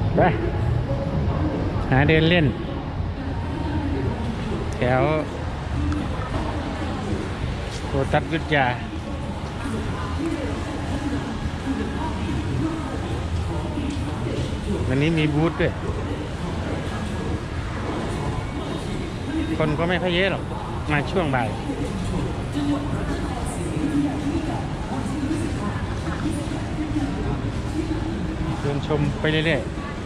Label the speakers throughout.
Speaker 1: ไปหาเดินเล่นแถวโคตัสยุทธยาวันนี้มีบูธด้วยคนก็ไม่ค่อยเยอะหรอกมาช่วงบ่ายเดินชมไปเรื่อย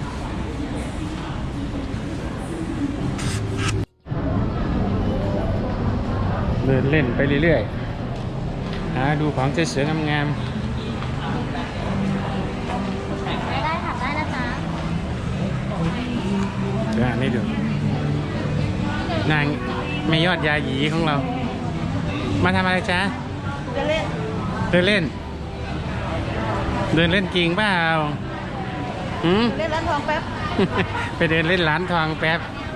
Speaker 1: ๆเดินเล่นไปเรื่อยๆหาดูของสวยๆงาม
Speaker 2: ได้ค่ะได้นะจ๊ะ
Speaker 1: ๆเดี๋ยวนี่ดูนางไม่ยอดยาหยีของเรามาทำอะไรจ๊ะ
Speaker 2: เดินเล่น
Speaker 1: เดินเล่นเดินเล่นจริงเปล่า
Speaker 2: เล่นร้านทองแป๊บ
Speaker 1: ไปเดินเล่นร้านทองแป๊บ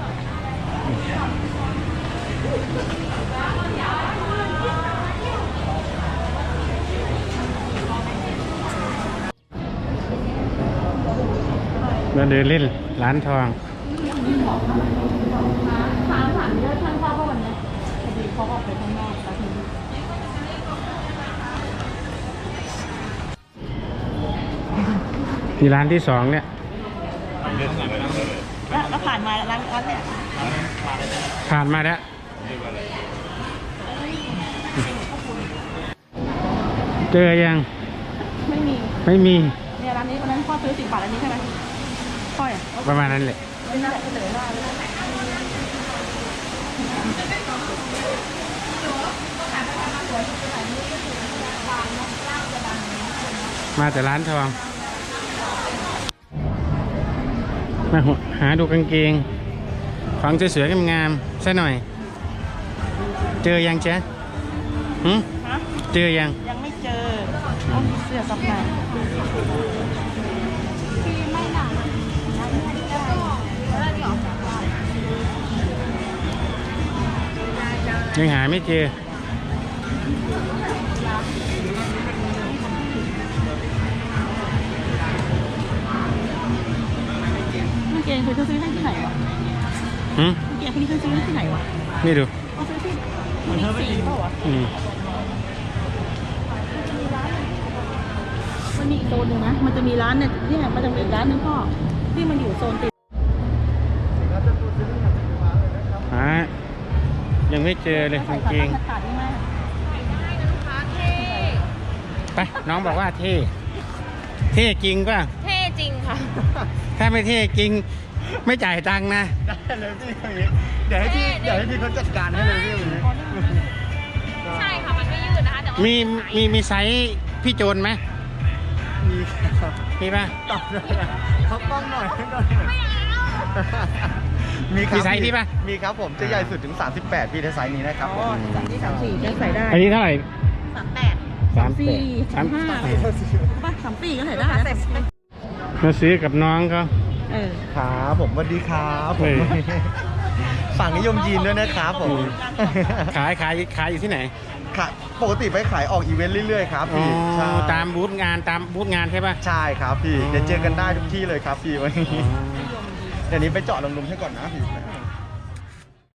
Speaker 1: มาเดินเล่นร้านทอง
Speaker 2: ถามเยอะท่านพ่อวันนี้พอดีเขาออกไปข้างนอกสักที
Speaker 1: ที่ร้านที่สองเนี่ย
Speaker 2: แล้วผ่านมาร้านเนี่ย
Speaker 1: ผ่านมาแล้วเจอยัง
Speaker 2: ไม่มีเนี่ยร้านนี้วันนั้นพ่อซื้อ10 บาทอันนี้ใช่ไหมพ่ออ่ะ
Speaker 1: ประมาณนั้นแหละ
Speaker 2: ไม่น่าจะเลยว่า
Speaker 1: มาแต่ร้านทองมาหาดูกางเกงของสวยๆงามๆซะหน่อยเจอยังจ๊ะเจอยัง
Speaker 2: ไม่เจอต้องมีเสื้อซับในไม่หนา
Speaker 1: ยังหาไม่เจอ
Speaker 2: เกงเคยซื้อให้ที่ไหนวะเกงคนนี้ซื้อให้ที่ไหนวะ
Speaker 1: นี่ดู
Speaker 2: เขาซื้อที่มันสีเปล่าวะมันมีอีกโซนหนึ่งนะมันจะมีร้านเนี่ยที่มันจะมีอีกร้านนึงพ่อที่มันอยู่โซนติด
Speaker 1: ยังไม่เจอเลยกางเกงไปน้องบอกว่าเท่จริงป่ะ
Speaker 2: เท่จริงค่ะ
Speaker 1: ถ้าไม่เท่จริงไม่จ่ายตังค์นะ
Speaker 3: ได้เลยพี่คนนี้เดี๋ยวให้พี่เขาจัดการให้เลยพี่คนนี้
Speaker 2: ใช่ค่ะมันไม่ยืดนะคะแต่ว่า
Speaker 1: มีไซส์พี่โจนไหม
Speaker 3: มีครับ
Speaker 1: มีป่ะ
Speaker 3: ตอบเลยเขาต้องหน่อย
Speaker 2: ไม่เอา
Speaker 1: มีไซส์พี่ป่ะ
Speaker 3: มีครับผมจะใหญ่สุดถึง38พี่ในไซส์นี้นะครับ
Speaker 2: อ๋อ34จะใส่ได้
Speaker 1: อันนี้เท่าไหร่
Speaker 2: 38 34 35ป่ะ34ก็ใส่ได้
Speaker 1: มาซื้อกับน้องเขา
Speaker 3: ครับผมสวัสดีครับผมฝั่งนิยมยีนด้วยนะครับผม
Speaker 1: ขายอยู่ที่ไหน
Speaker 3: ปกติไปขายออกอีเวนต์เรื่อยๆครับพี่
Speaker 1: ตามบูธงานใช่ป่ะ
Speaker 3: ใช่ครับพี่เดี๋ยวเจอกันได้ทุกที่เลยครับพี่วันนี้เดี๋ยวนี้ไปเจาะลมๆให้ก่อนนะพี่